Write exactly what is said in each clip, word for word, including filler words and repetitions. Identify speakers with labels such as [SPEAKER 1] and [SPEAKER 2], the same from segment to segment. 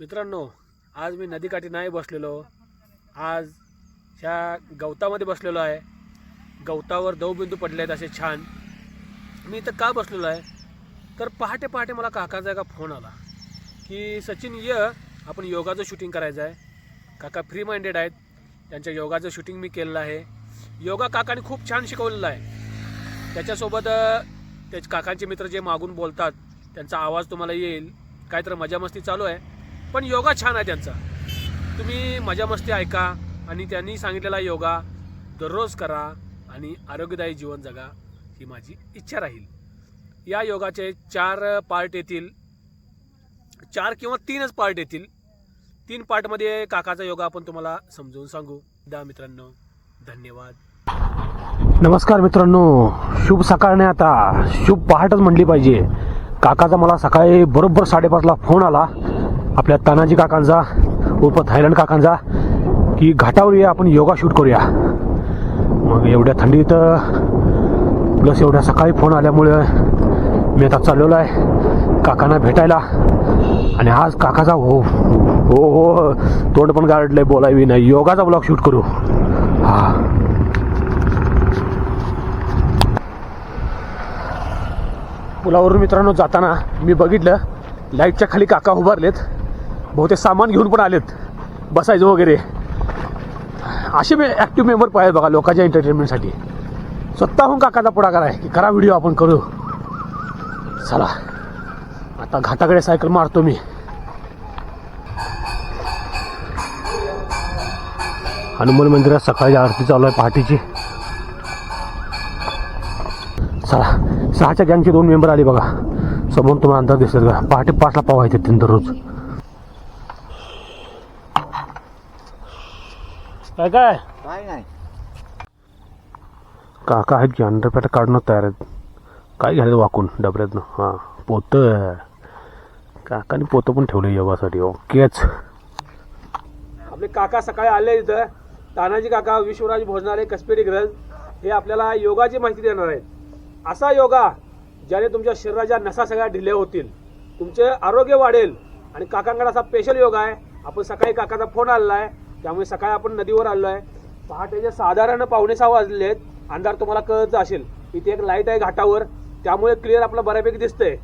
[SPEAKER 1] मित्रांनो, आज मी नदीकाठी नाही बसलेलो, आज ह्या गवतामध्ये बसलेलो आहे। गवतावर दवबिंदू पडले आहेत असे छान। मी इथं का बसलेलो आहे तर पहाटे पहाटे मला काकाचा एका फोन आला की सचिन ये, आपण योगाचं शूटिंग करायचं आहे। काका फ्री माइंडेड आहेत, त्यांच्या योगाचं शूटिंग मी केलेलं आहे। योगा काकाने खूप छान शिकवलेला आहे। त्याच्यासोबत त्याचे काकांचे मित्र जे मागून बोलतात त्यांचा आवाज तुम्हाला येईल, काहीतरी मजा मस्ती चालू आहे, पण योगा छान आहे त्यांचा। तुम्ही मजा मस्ती ऐका आणि त्यांनी सांगितलेला योगा दररोज करा आणि आरोग्यदायी जीवन जगा, ही माझी इच्छा राहील। या योगाचे चार पार्ट येतील, चार किंवा तीनच पार्ट येतील। तीन पार्टमध्ये काकाचा योगा आपण तुम्हाला समजून सांगू। दा मित्रांनो, धन्यवाद।
[SPEAKER 2] नमस्कार मित्रांनो, शुभ सकाळ नाही, आता शुभ पहाटच म्हणली पाहिजे। काकाचा मला सकाळी बरोबर साडेपाचला फोन आला, आपल्या तानाजी काकांचा उर्फ थायलंड काकांचा, की घाटावर ये, आपण योगा शूट करूया। मग एवढ्या थंडीत प्लस एवढ्या सकाळी फोन आल्यामुळे मी आता चाललेलो आहे काकांना भेटायला। आणि आज काकाचा हो हो हो तोंड पण गाडलंय, बोलावी नाही, योगाचा ब्लॉग शूट करू। हा, पुलावरून मित्रांनो जाताना मी बघितलं लाईटच्या खाली काका उभारलेत, बहुतेक सामान घेऊन पण आलेत, बसायचं वगैरे। असे मी ॲक्टिव्ह मेंबर पाहिजे बघा लोकांच्या एंटरटेनमेंटसाठी। स्वतःहून काकाचा पुढाकार आहे की करा व्हिडिओ, आपण करू। चला आता घाटाकडे सायकल मारतो मी। हनुमान मंदिरात सकाळी आरती चालू आहे पहाटेची। चला, सहाच्या गँगचे दोन मेंबर आले बघा समोर, तुम्हाला अंदाज दिसत का? पहाटे पाचला पाव आहेत त्यांनी दररोज। काय काय
[SPEAKER 3] काय नाही,
[SPEAKER 2] काका आहेत की अंडरपॅट काढणं तयार आहेत। काय घ्यायचं वाकून डबऱ्यातनं? हां, पोतं काकाने पोतं पण ठेवलं योगासाठी। ओकेच,
[SPEAKER 1] आपले काका सकाळी आले इथं। तानाजी काका, विश्वराज भोजनालय, कसपेटी ग्रज, हे आपल्याला योगाची माहिती देणार आहेत। असा योगा ज्याने तुमच्या शरीराच्या नसा सगळ्या ढिल्या होतील, तुमचे आरोग्य वाढेल। आणि काकांकडे असा स्पेशल योगा आहे। आपण सकाळी काकाचा फोन आलेला आहे, त्यामुळे सकाळी आपण नदीवर आलो आहे। पहाटेचे साधारण पावणे सहा वाजले आहेत, अंधार तुम्हाला कळत असेल। इथे एक लाईट आहे घाटावर, त्यामुळे क्लिअर आपला बऱ्यापैकी दिसतंय।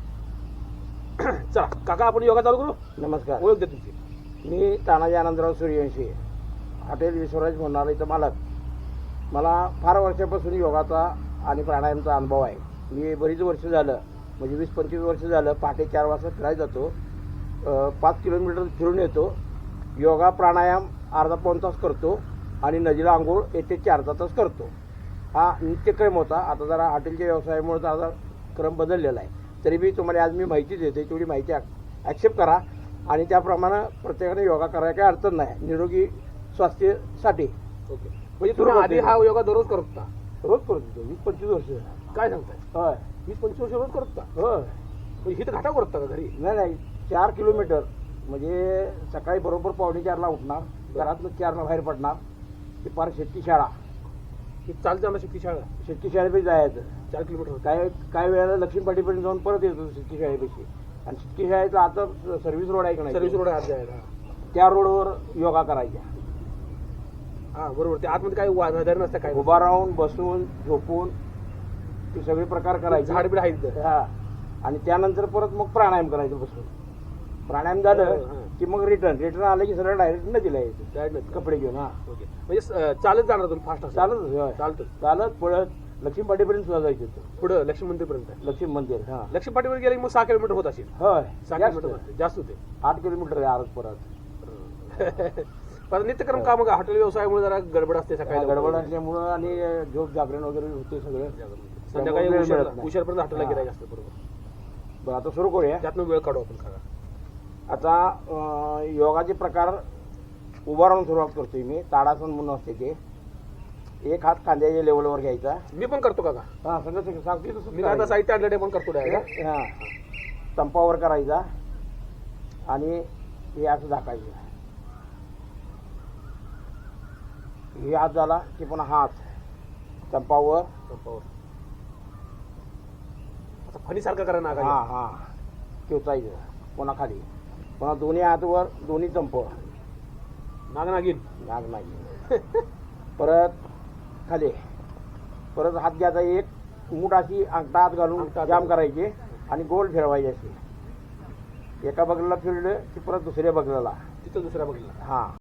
[SPEAKER 1] चला काका, आपण योगा चालू करू।
[SPEAKER 3] नमस्कार,
[SPEAKER 1] ओळख दे तुमची।
[SPEAKER 3] मी तानाजी आनंदराव सूर्यवंशी, हॉटेल विश्वराज भोजनालयचा मालक। मला फार वर्षापासून योगाचा आणि प्राणायामचा अनुभव आहे। मी बरीच वर्ष झालं, म्हणजे वीस पंचवीस वर्ष झालं पहाटे चार वाजता फिरायला जातो, पाच किलोमीटर फिरून येतो। योगा प्राणायाम अर्धा पाऊण तास करतो आणि नदीला आंघोळ एक ते चार तास करतो। हा नित्यक्रम होता। आता जरा हॉटेलच्या व्यवसायामुळे जरा क्रम बदललेला आहे। तरी मी तुम्हाला आज मी माहिती देते, तेवढी माहिती ॲक्सेप्ट करा आणि त्याप्रमाणे प्रत्येकाने योगा करायला काही अडचण नाही, निरोगी स्वास्थ्यासाठी।
[SPEAKER 1] ओके, म्हणजे तुम्ही आधी हा योगा दररोज करत होता?
[SPEAKER 3] रोज करत होतो, वीस पंचवीस वर्ष।
[SPEAKER 1] काय सांगताय?
[SPEAKER 3] होय,
[SPEAKER 1] वीस पंचवीस वर्ष रोज करत होता?
[SPEAKER 3] होय।
[SPEAKER 1] म्हणजे इथं घाटा करत का घरी?
[SPEAKER 3] नाही नाही, चार किलोमीटर म्हणजे सकाळी बरोबर पावणे चारला उठणार, घरातनं चारला बाहेर पडणार, ते पार शेतकी शाळा,
[SPEAKER 1] की चालतं आम्हाला शेती शाळा?
[SPEAKER 3] शेतकी शाळेपाशी जायचं
[SPEAKER 1] चार किलोमीटर
[SPEAKER 3] काय काय वेळेला लक्ष्मीपाटीपर्यंत जाऊन परत येतो शेतकी शाळेपाशी। आणि शेतकी शाळेचा आता सर्व्हिस रोड आहे का नाही,
[SPEAKER 1] सर्व्हिस रोड आहे जायला,
[SPEAKER 3] त्या रोडवर योगा करायच्या।
[SPEAKER 1] हा बरोबर, ते आतमध्ये काही वाधार नसतं, काय
[SPEAKER 3] उभा राहून, बसून, झोपून, ते सगळे प्रकार करायचे।
[SPEAKER 1] झाड बीड आहे।
[SPEAKER 3] हा, आणि त्यानंतर परत मग प्राणायाम करायचं बसून। प्राणायाम झालं की मग रिटर्न रिटर्न आलं की सरळ डायरेक्ट नदीला यायचं, डायरेक्ट कपडे घेऊन। हा,
[SPEAKER 1] ओके, म्हणजे चालत जाणार तुम्ही? फास्ट
[SPEAKER 3] चालत
[SPEAKER 1] चालतं
[SPEAKER 3] चालत पळत लक्ष्मीपाटीपर्यंत सुद्धा जायचं होतं,
[SPEAKER 1] पुढं लक्ष्मी मंदिरपर्यंत?
[SPEAKER 3] लक्ष्मी मंदिर। हा,
[SPEAKER 1] लक्ष्मी पाटीवर गेले मग सहा किलोमीटर होत असेल?
[SPEAKER 3] होय,
[SPEAKER 1] सहा
[SPEAKER 3] जास्त
[SPEAKER 1] किलोमीटर जास्त होते,
[SPEAKER 3] आठ किलोमीटर आहे आरत परत।
[SPEAKER 1] पण नित्यक्रम का मग हॉटेल व्यवसायामुळे जरा गडबड असते सकाळी,
[SPEAKER 3] गडबड असल्यामुळं आणि झोप जागरण वगैरे होते सगळं,
[SPEAKER 1] संध्याकाळी
[SPEAKER 3] वेळ
[SPEAKER 1] उशीर-
[SPEAKER 3] मिळत नाही।
[SPEAKER 1] उशीरपर्यंत हॉटेलला
[SPEAKER 3] हा.
[SPEAKER 1] गिरायक असतं। बरोबर,
[SPEAKER 3] बरं आता सुरू करूया।
[SPEAKER 1] त्यातनं वेळ काढू आपण काका।
[SPEAKER 3] आता अं, योगाचे प्रकार उभा राहून सुरुवात करतोय मी। ताडासन म्हणून असते ते, एक हात खांद्याच्या लेवलवर घ्यायचा।
[SPEAKER 1] मी पण करतो काका,
[SPEAKER 3] हा, सगळं सगळं सांगते तसं
[SPEAKER 1] मी आता साहित्य आणलं ते पण करतो डायरेक्ट।
[SPEAKER 3] हा, संपावर करायचा आणि हे असं झाकायचं। हे हात झाला की पुन्हा हात संपावर,
[SPEAKER 1] संपावर आता फणीसारखं करा ना
[SPEAKER 3] हा
[SPEAKER 1] का?
[SPEAKER 3] हा ठेवायचं, पुन्हा खाली, पुन्हा दोन्ही हातवर दोन्ही चंप
[SPEAKER 1] नाग नागिन
[SPEAKER 3] नाग नाही परत खाली परत हात घ्यायचा एक मूठ अशी अंगठा हात घालून
[SPEAKER 1] अंगठा
[SPEAKER 3] जाम
[SPEAKER 1] घालून.
[SPEAKER 3] करायचे आणि गोल फिरवायचे असे एका बगलाला फिरलं की परत दुसऱ्या बगलाला
[SPEAKER 1] तिथं दुसऱ्या बघितला
[SPEAKER 3] हां